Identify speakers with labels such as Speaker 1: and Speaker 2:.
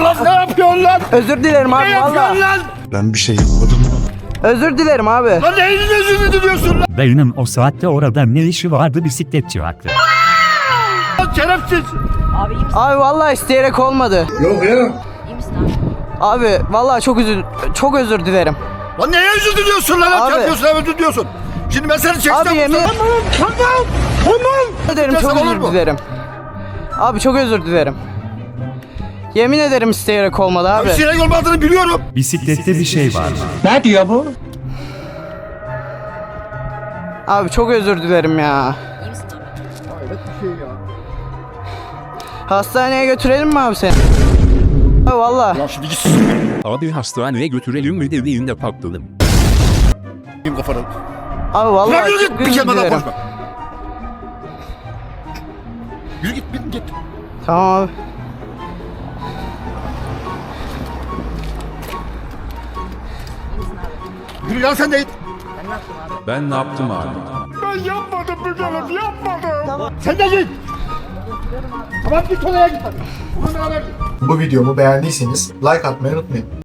Speaker 1: lan? Ne yapıyorsun lan?
Speaker 2: Özür dilerim
Speaker 1: Ne
Speaker 2: abi
Speaker 1: yapıyorsun
Speaker 2: valla.
Speaker 1: lan?
Speaker 3: Ben bir şey yapmadım.
Speaker 2: Özür dilerim abi.
Speaker 1: Lan neyin özür diliyorsun lan?
Speaker 4: Dayının o saatte orada ne işi vardı, bisikletçi haklı.
Speaker 1: Lan şerefsiz.
Speaker 5: Abi iyi misin?
Speaker 2: Abi valla isteyerek olmadı.
Speaker 1: Yok ya.
Speaker 5: İyi misin abi?
Speaker 2: Abi valla çok özür dilerim.
Speaker 1: Lan neye özür diliyorsun lan?
Speaker 2: Abi.
Speaker 1: Çarpıyorsun hem özür diliyorsun. Şimdi ben seni çeksem...
Speaker 2: Abi yemin ederim çok
Speaker 1: Desem olur
Speaker 2: özür
Speaker 1: mu?
Speaker 2: dilerim. Abi çok özür dilerim. Yemin ederim isteyerek olmadı abi.
Speaker 1: Abi sinek olmadığını biliyorum.
Speaker 4: Bisiklette bir şey var.
Speaker 2: Abi çok özür dilerim ya.
Speaker 5: İyi misin abi?
Speaker 2: Hastaneye götürelim mi abi seni? Abi valla.
Speaker 1: Lan şimdi git
Speaker 6: Abi hastaneye götürelim mi dediğinde patladım.
Speaker 1: s**eyim kafanı.
Speaker 2: Abi
Speaker 1: Lan
Speaker 2: valla
Speaker 1: yürü
Speaker 2: çok
Speaker 1: git bir
Speaker 2: özür
Speaker 1: kelime daha
Speaker 2: dilerim.
Speaker 1: konuşma. Yürü git git.
Speaker 2: Tamam abi.
Speaker 1: Yürü lan sen de git.
Speaker 6: Ben ne yaptım abi?
Speaker 1: Ben yapmadım Mügelim yapmadım. Tamam. Sen de git. Tamam git oraya git. Bununla beraber git.
Speaker 3: Bu videomu beğendiyseniz like atmayı unutmayın.